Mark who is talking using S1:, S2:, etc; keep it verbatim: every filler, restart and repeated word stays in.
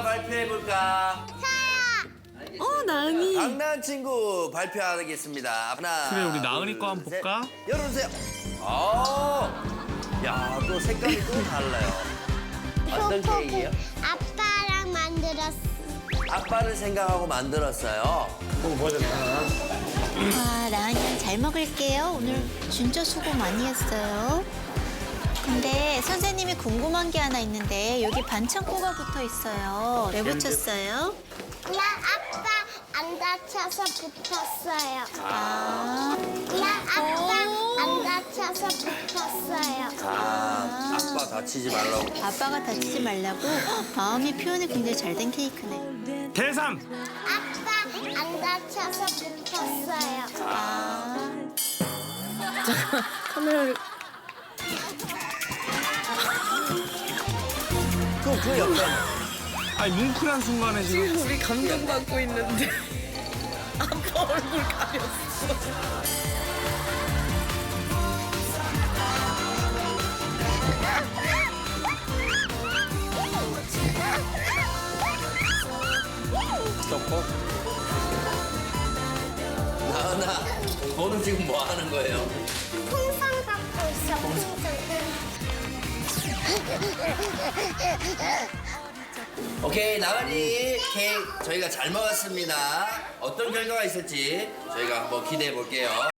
S1: 누가 발표해볼까?
S2: 어, 나은이.
S1: 강나은 친구 발표하겠습니다. 하나.
S3: 그래, 우리 나은이
S1: 둘,
S3: 거 한번
S1: 셋.
S3: 볼까?
S1: 열어주세요. 아, 야, 또 색깔이 또 달라요. 어떤 케이크예요?
S4: 아빠랑 만들었어.
S1: 아빠를 생각하고 만들었어요.
S5: 아, 나은이랑 잘 먹을게요. 오늘 진짜 수고 많이 했어요. 근데 선생님이 궁금한 게 하나 있는데 여기 반창고가 붙어 있어요. 왜 붙였어요?
S4: 나 아빠 안 다쳐서 붙었어요.
S5: 아,
S4: 나 아빠 안 다쳐서 붙었어요.
S1: 아, 아빠 다치지 말라고.
S5: 아빠가 다치지 말라고 헉, 마음이 표현이 굉장히 잘 된 케이크네.
S3: 대상!
S4: 아빠 안 다쳐서 붙었어요.
S5: 아,
S2: 카메라를.
S1: 그, 그 옆에.
S3: 아니, 뭉클한 순간에 지금.
S2: 우리 감동받고 있는데. 아빠 얼굴 가렸어.
S1: 나은아, 너는 지금 뭐 하는 거예요?
S4: 풍선 갖고 있어, 풍선.
S1: 오케이, 나은이 케이크 저희가 잘 먹었습니다. 어떤 결과가 있을지 저희가 한번 기대해 볼게요.